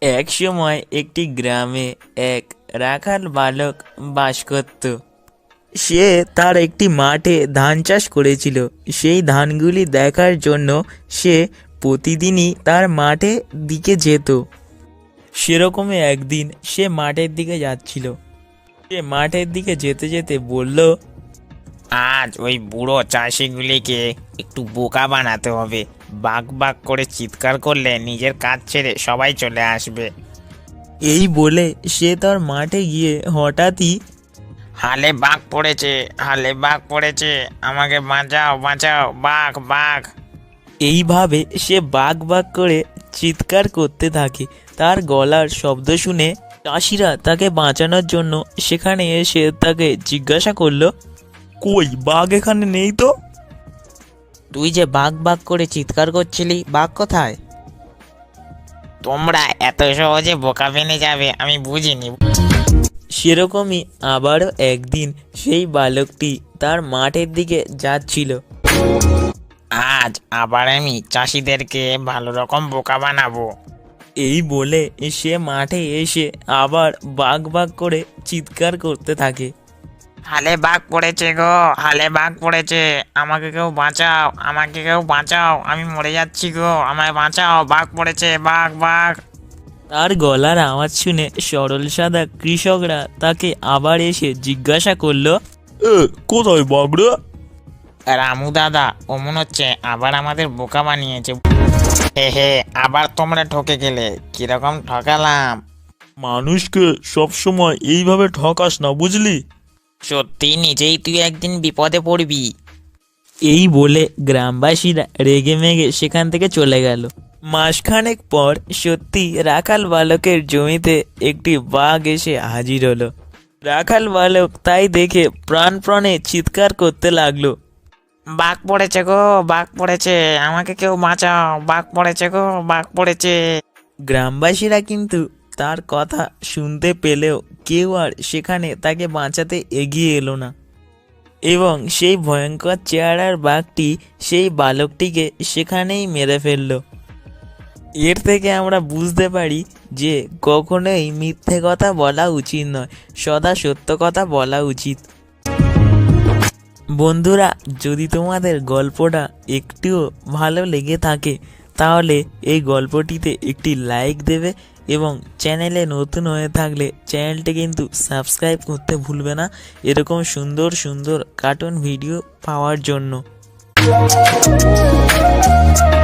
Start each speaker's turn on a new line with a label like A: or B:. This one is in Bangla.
A: এক সময় একটি গ্রামে এক রাখাল বালক বাস করত। সে তার একটি মাঠে ধান চাষ করেছিল। সেই ধানগুলি দেখার জন্য সে প্রতিদিনই তার মাঠে দিকে যেত। সেরকমই একদিন সে মাঠের দিকে যাচ্ছিল। সে মাঠের দিকে যেতে যেতে বলল,
B: আজ ওই বুড়ো চাষিগুলিকে একটু বোকা বানাতে হবে। বাক বাক করে চিৎকার করলে নিজের কাজ ছেড়ে সবাই চলে আসবে।
A: এই বলে সে তার মাঠে গিয়ে হঠাৎই
B: হালে বাঘ পড়েছে, হালে বাঘ পড়েছে, আমাকে বাঁচাও বাঁচাও, বাঘ বাঘ।
A: এইভাবে সে বাক বাক করে চিৎকার করতে থাকে। তার গলার শব্দ শুনে চাষিরা তাকে বাঁচানোর জন্য সেখানে এসে তাকে জিজ্ঞাসা করলো, কই বাঘ এখানে নেই তো?
C: তুই যে বাঘ বাঘ করে চিৎকার করছিলি, বাঘ কোথায়?
B: তোমরা এত সহজে বোকা বেনে যাবে আমি বুঝিনি।
A: সেরকমই আবারও একদিন সেই বালকটি তার মাঠের দিকে যাচ্ছিল।
B: আজ আবার আমি চাষিদেরকে ভালো রকম বোকা বানাবো।
A: এই বলে সে মাঠে এসে আবার বাঘ বাঘ করে চিৎকার করতে থাকে।
B: হালে বাঘ পড়েছে গো, হালে বাঘ পড়েছে, আমাকে কেউ বাঁচাও, আমাকে কেউ বাঁচাও, আমি মরে যাচ্ছি গো, আমায় বাঁচাও, বাঘ পড়েছে, বাঘ বাঘ।
A: তার গলার আওয়াজ শুনে সরল সাদা কৃষকরা তাকে আবার এসে জিজ্ঞাসা করলো, কোথায় বাঘরা?
B: রামু দাদা, ও মনে হচ্ছে আবার আমাদের বোকা বানিয়েছে। হে হে, আবার তোমরা ঠকে গেলে। কিরকম ঠকালাম?
A: মানুষকে সবসময় এইভাবে ঠকাস না, বুঝলি?
B: সত্যি নিজেই তুই একদিন বিপদে পড়বি।
A: এই বলে গ্রামবাসীরা রেগে মেগে সেখান থেকে চলে গেল। মাসখানেক পর সত্যি রাখাল বালকের জমিতে একটি বাঘ এসে হাজির হলো। রাখাল বালক তাই দেখে প্রাণপণে চিৎকার করতে লাগলো,
B: বাঘ পড়েছে গো, বাঘ পড়েছে, আমাকে কেউ বাঁচাও, বাঘ পড়েছে গো, বাঘ পড়েছে।
A: গ্রামবাসীরা কিন্তু তার কথা শুনতে পেলেও কেউ আর সেখানে তাকে বাঁচাতে এগিয়ে এলো না, এবং সেই ভয়ঙ্কর চেহারার বাঘটি সেই বালকটিকে সেখানেই মেরে ফেলল। এর থেকে আমরা বুঝতে পারি যে কখনোই মিথ্যে কথা বলা উচিত নয়, সদা সত্য কথা বলা উচিত। বন্ধুরা, যদি তোমাদের গল্পটা একটুও ভালো লেগে থাকে তাহলে এই গল্পটিতে একটি লাইক দেবে, এবং চ্যানেলে নতুন হয়ে থাকলে চ্যানেলটি কিন্তু সাবস্ক্রাইব করতে ভুলবে না এরকম সুন্দর সুন্দর কার্টুন ভিডিও পাওয়ার জন্য।